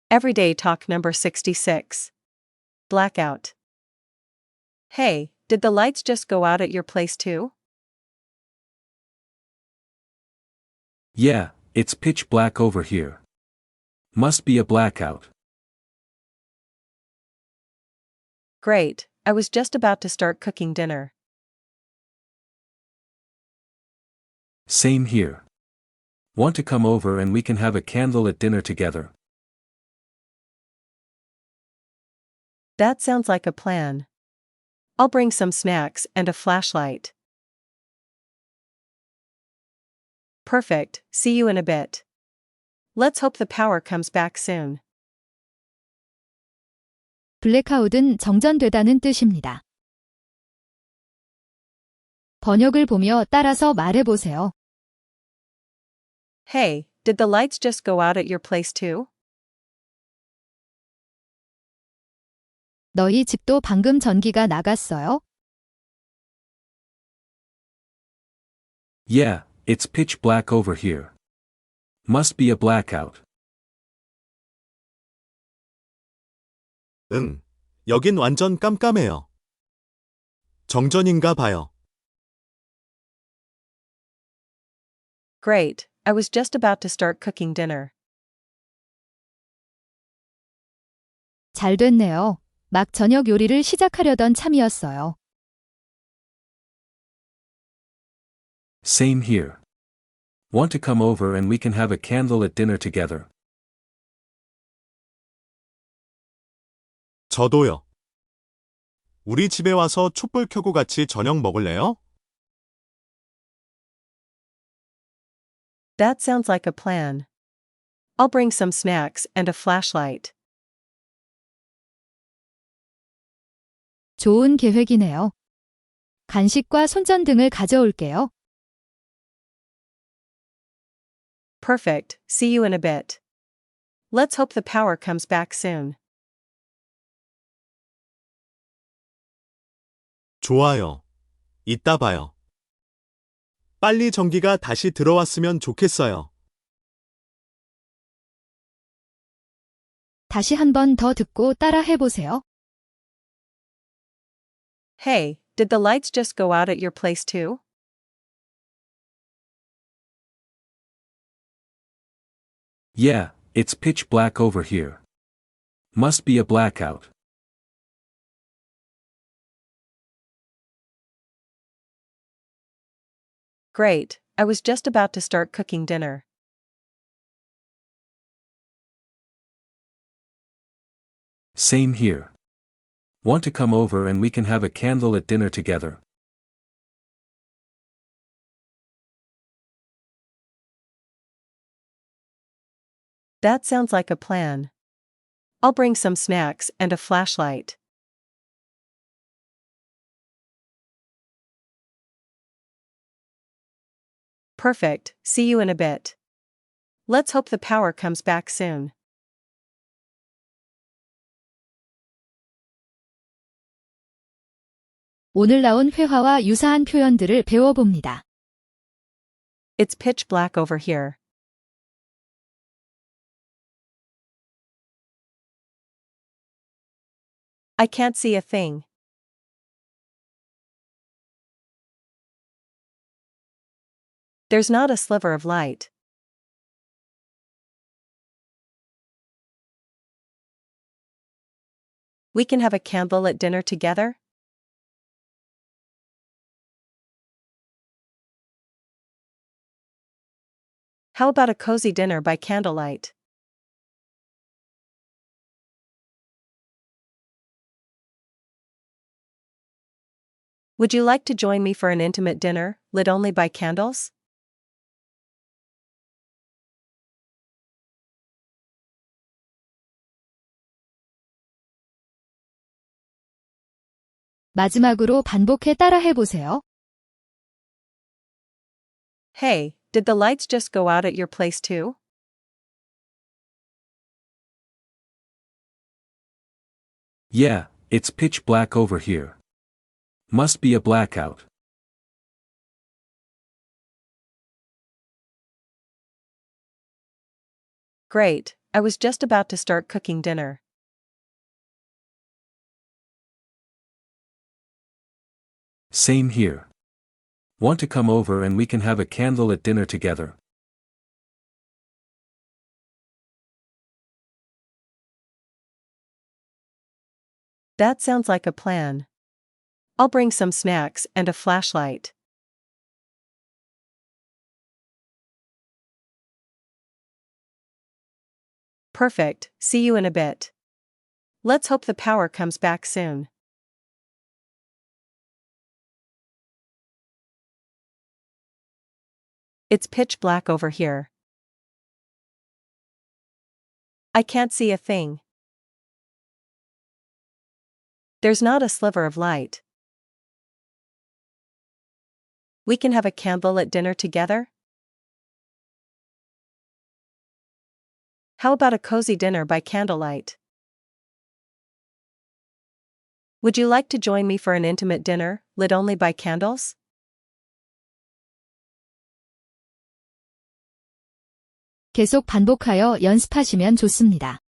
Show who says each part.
Speaker 1: Everyday talk number 66. Blackout. Hey, did the lights just go out at your place too?
Speaker 2: Yeah, it's pitch black over here. Must be a blackout.
Speaker 1: Great, I was just about to start cooking dinner.
Speaker 2: Same here. Want to come over and we can have a candlelit dinner together?
Speaker 1: That sounds like a plan. I'll bring some snacks and a flashlight. Perfect, see you in a bit. Let's hope the power comes back soon.
Speaker 3: 블랙아웃은 정전되다는 뜻입니다. 번역을 보며 따라서 말해보세요.
Speaker 1: Hey, did the lights just go out at your place too?
Speaker 3: 너희 집도 방금 전기가 나갔어요?
Speaker 2: Yeah, it's pitch black over here. Must be a blackout.
Speaker 4: 응, 여긴 완전 깜깜해요. 정전인가 봐요.
Speaker 1: Great, I was just about to start cooking dinner.
Speaker 3: 잘 됐네요. 막 저녁 요리를 시작하려던 참이었어요.
Speaker 2: Same here. Want to come over and we can have a candlelit dinner together?
Speaker 4: 저도요. 우리 집에 와서 촛불 켜고 같이 저녁 먹을래요?
Speaker 1: That sounds like a plan. I'll bring some snacks and a flashlight.
Speaker 3: 좋은 계획이네요. 간식과 손전등을 가져올게요.
Speaker 1: Perfect, see you in a bit. Let's hope the power comes back soon.
Speaker 4: 좋아요. 이따 봐요. 빨리 전기가 다시 들어왔으면 좋겠어요.
Speaker 3: 다시 한 번 더 듣고 따라 해보세요.
Speaker 1: Hey, did the lights just go out at your place too?
Speaker 2: Yeah, it's pitch black over here. Must be a blackout.
Speaker 1: Great, I was just about to start cooking dinner.
Speaker 2: Same here. Want to come over and we can have a candlelit dinner together?
Speaker 1: That sounds like a plan. I'll bring some snacks and a flashlight. Perfect, see you in a bit. Let's hope the power comes back soon.
Speaker 3: 오늘 나온 회화와 유사한 표현들을 배워봅니다.
Speaker 1: It's pitch black over here. I can't see a thing. There's not a sliver of light. We can have a candlelit dinner together? How about a cozy dinner by candlelight? Would you like to join me for an intimate dinner, lit only by candles?
Speaker 3: 마지막으로 반복해 따라 해보세요.
Speaker 1: Hey, did the lights just go out at your place too?
Speaker 2: Yeah, it's pitch black over here. Must be a blackout.
Speaker 1: Great, I was just about to start cooking dinner.
Speaker 2: Same here. Want to come over and we can have a candlelit dinner together?
Speaker 1: That sounds like a plan. I'll bring some snacks and a flashlight. Perfect, see you in a bit. Let's hope the power comes back soon. It's pitch black over here. I can't see a thing. There's not a sliver of light. We can have a candlelit dinner together? How about a cozy dinner by candlelight? Would you like to join me for an intimate dinner, lit only by candles?
Speaker 3: 계속 반복하여 연습하시면 좋습니다.